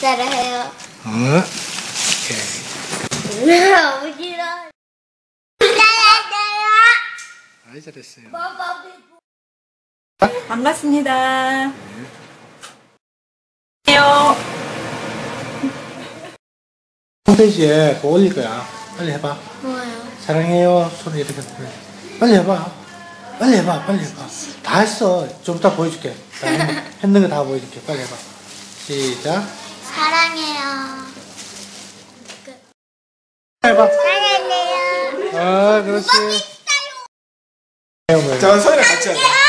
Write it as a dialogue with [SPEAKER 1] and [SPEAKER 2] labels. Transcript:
[SPEAKER 1] 사랑해요.
[SPEAKER 2] 오케이.
[SPEAKER 1] 아버지랑 사랑해요.
[SPEAKER 2] 아이 잘했어요.
[SPEAKER 3] 반갑습니다.
[SPEAKER 2] 홈페이지에 그거 올릴 거야. 빨리 해봐.
[SPEAKER 1] 뭐예요?
[SPEAKER 2] 사랑해요. 손을 이렇게 해. 빨리 해봐. 빨리 해봐. 빨리 해봐. 다 했어. 좀 이따 보여줄게. 다 했는 거 다 보여줄게. 빨리 해봐. 시작.
[SPEAKER 1] 사랑해요.
[SPEAKER 2] 해봐.
[SPEAKER 1] 사랑해요.
[SPEAKER 2] 아, 그렇지.
[SPEAKER 4] 자, 서연이 같이 하자.